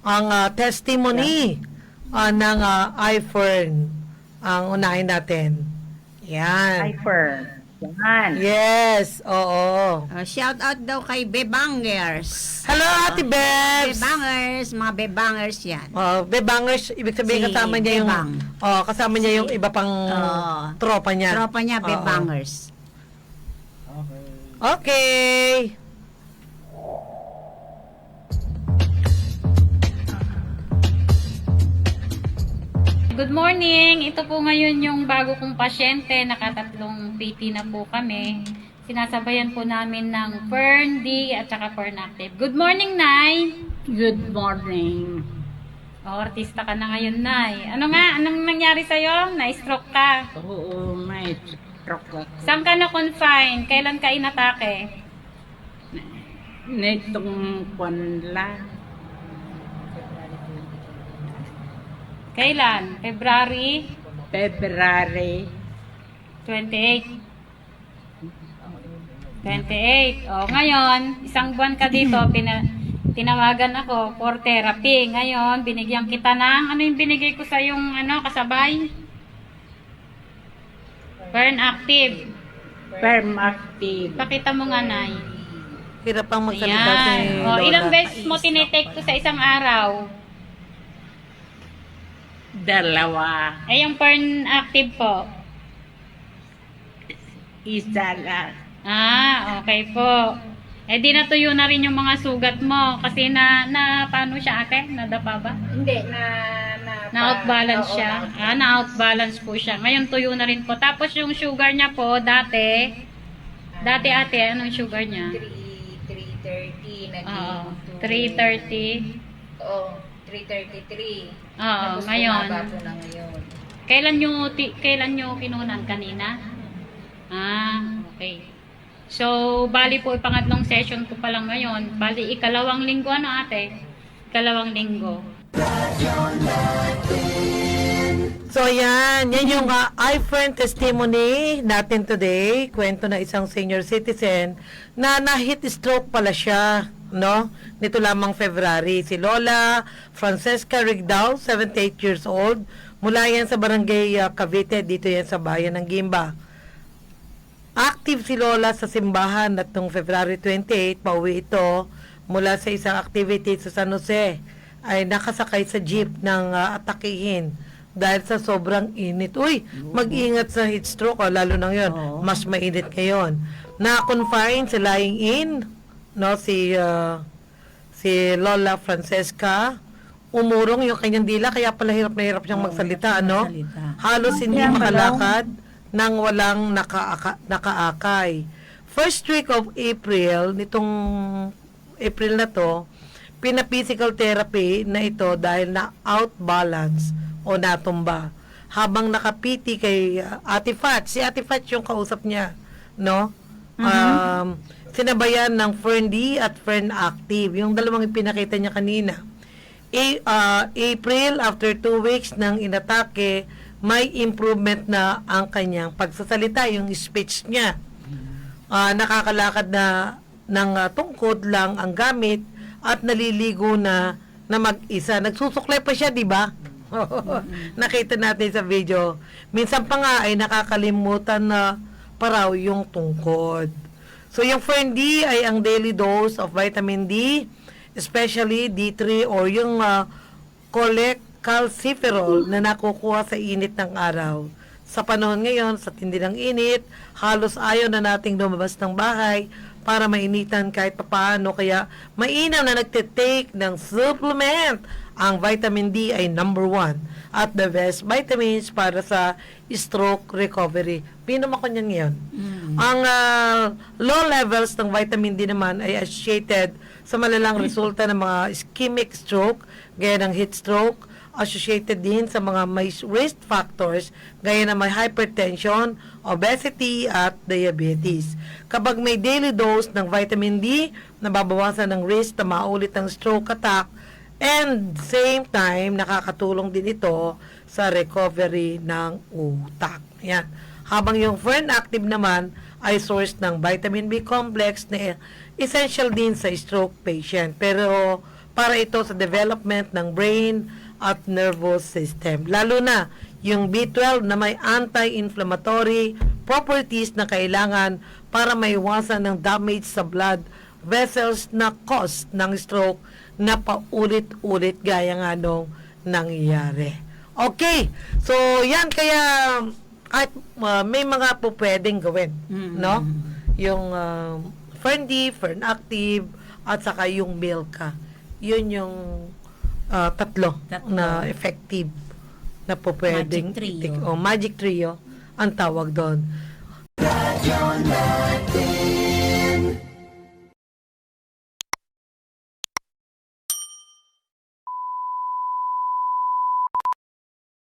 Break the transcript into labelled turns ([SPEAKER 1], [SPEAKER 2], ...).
[SPEAKER 1] ang testimony ng iFern ang unahin natin. Yan.
[SPEAKER 2] Hyper. Yan.
[SPEAKER 1] Yes, oo.
[SPEAKER 3] Shout out daw kay Bebangers.
[SPEAKER 1] Hello, Ate Bebs!
[SPEAKER 3] Bebangers, mga Bebangers yan.
[SPEAKER 1] Bebangers, ibig sabihin
[SPEAKER 3] Si
[SPEAKER 1] kasama niya yung
[SPEAKER 3] Bebang.
[SPEAKER 1] kasama niya yung iba pang tropa niya.
[SPEAKER 3] Tropa niya,
[SPEAKER 1] Oo.
[SPEAKER 3] Bebangers.
[SPEAKER 1] Okay.
[SPEAKER 4] Good morning! Ito po ngayon yung bago kong pasyente. Nakatatlong PT na po kami. Sinasabayan po namin ng Fern D at saka Fern Active. Good morning, Nay!
[SPEAKER 2] Good morning.
[SPEAKER 4] Artista ka na ngayon, Nay. Ano nga? Anong nangyari sa'yo? Na-stroke ka.
[SPEAKER 2] Oo, may stroke ako.
[SPEAKER 4] Saan ka na-confine? Kailan ka inatake?
[SPEAKER 2] Nitong panla.
[SPEAKER 4] Kailan? February
[SPEAKER 2] February
[SPEAKER 4] 28. 28. O, ngayon, isang buwan ka dito, tinawagan ako for therapy. Ngayon, binigyan kita ng, ano yung binigay ko sa yung, kasabay? Fern Active.
[SPEAKER 2] Firm active.
[SPEAKER 4] Pakita mo nga, Nay.
[SPEAKER 1] Hirap pang magsalita si
[SPEAKER 4] Ayan. O,
[SPEAKER 1] Lola.
[SPEAKER 4] ilang beses mo tinitake to sa isang araw?
[SPEAKER 2] Dalawa.
[SPEAKER 4] Ay, yung Fern Active po.
[SPEAKER 2] Isa lang.
[SPEAKER 4] Okay po. Eh, di natuyo na rin yung mga sugat mo. Kasi paano siya, ate? Nadapa ba?
[SPEAKER 2] Hindi,
[SPEAKER 4] Na-outbalance siya. Na-outbalance po siya. Ngayon tuyo na rin po. Tapos yung sugar niya po, dati ate, anong sugar niya?
[SPEAKER 5] 330 naging
[SPEAKER 4] Oo, 330.
[SPEAKER 5] Oo, 333.
[SPEAKER 4] Oo,
[SPEAKER 5] Tapos
[SPEAKER 4] ngayon.
[SPEAKER 5] bumaba po na ngayon.
[SPEAKER 4] Kailan nyo kinunan? Kanina? Okay. So, bali po, pangatlong session ko pa lang ngayon. Bali, ikalawang linggo, ate? Ikalawang linggo.
[SPEAKER 1] So yan yung iFriend testimony natin today. Kwento na isang senior citizen na na-heat stroke pala siya, no? Nito lamang February. Si Lola Francesca Rigdao, 78 years old. Mula yan sa barangay Cavite, dito yan sa bayan ng Gimba. Active si Lola sa simbahan at noong February 28, pauwi ito mula sa isang activity sa San Jose. Ay nakasakay sa jeep ng atakihin dahil sa sobrang init. Uy, mag-ingat sa heat stroke, lalo na ngayon. Mas mainit ngayon. Na-confine sa lying in, no, si Lola Francesca. Umurong yung kanyang dila, kaya pala hirap na hirap siyang magsalita, ano? Halos hindi makalakad nang walang nakaakay. First week of April, nitong April na to, pina-physical therapy na ito dahil na outbalance o natumba. Habang nakapiti kay Ate Fat, si Ate Fat yung kausap niya, no? Sinabayan ng Fern D at Fern Active, yung dalawang ipinakita niya kanina. April, after 2 weeks ng inatake, may improvement na ang kanyang pagsasalita, yung speech niya. Nakakalakad na ng tungkod lang ang gamit at naliligo na mag-isa. Nagsusuklay pa siya, di ba? Nakita natin sa video. Minsan pa nga ay nakakalimutan na paraw yung tungkod. So yung Fern D ay ang daily dose of vitamin D, especially D3 or yung cholecalciferol na nakukuha sa init ng araw. Sa panahon ngayon, sa tindi ng init, halos ayaw na nating lumabas ng bahay para mainitan kahit papaano. Kaya mainam na nagtitake ng supplement. Ang vitamin D ay number 1 at the best vitamins para sa stroke recovery. Pinom ako niyan ngayon. Ang low levels ng vitamin D naman ay associated sa malalang resulta ng mga ischemic stroke, gaya ng heat stroke, associated din sa mga may risk factors gaya ng may hypertension, obesity at diabetes. Kapag may daily dose ng vitamin D, nababawasan ng risk na maulit ng stroke attack and same time nakakatulong din ito sa recovery ng utak. Yan. Habang yung Fern Active naman ay source ng vitamin B complex na essential din sa stroke patient. Pero para ito sa development ng brain at nervous system. Lalo na yung B12 na may anti-inflammatory properties na kailangan para maiwasan ng damage sa blood vessels na cause ng stroke na paulit-ulit gaya nga nung nangyayari. Okay, so yan kaya at may mga po pwedeng gawin, no? Yung Fern-D, Fern-Active, at saka yung Milka. Yun yung tatlo na effective na po pwedeng
[SPEAKER 3] Magic Trio.
[SPEAKER 1] Magic Trio ang tawag doon.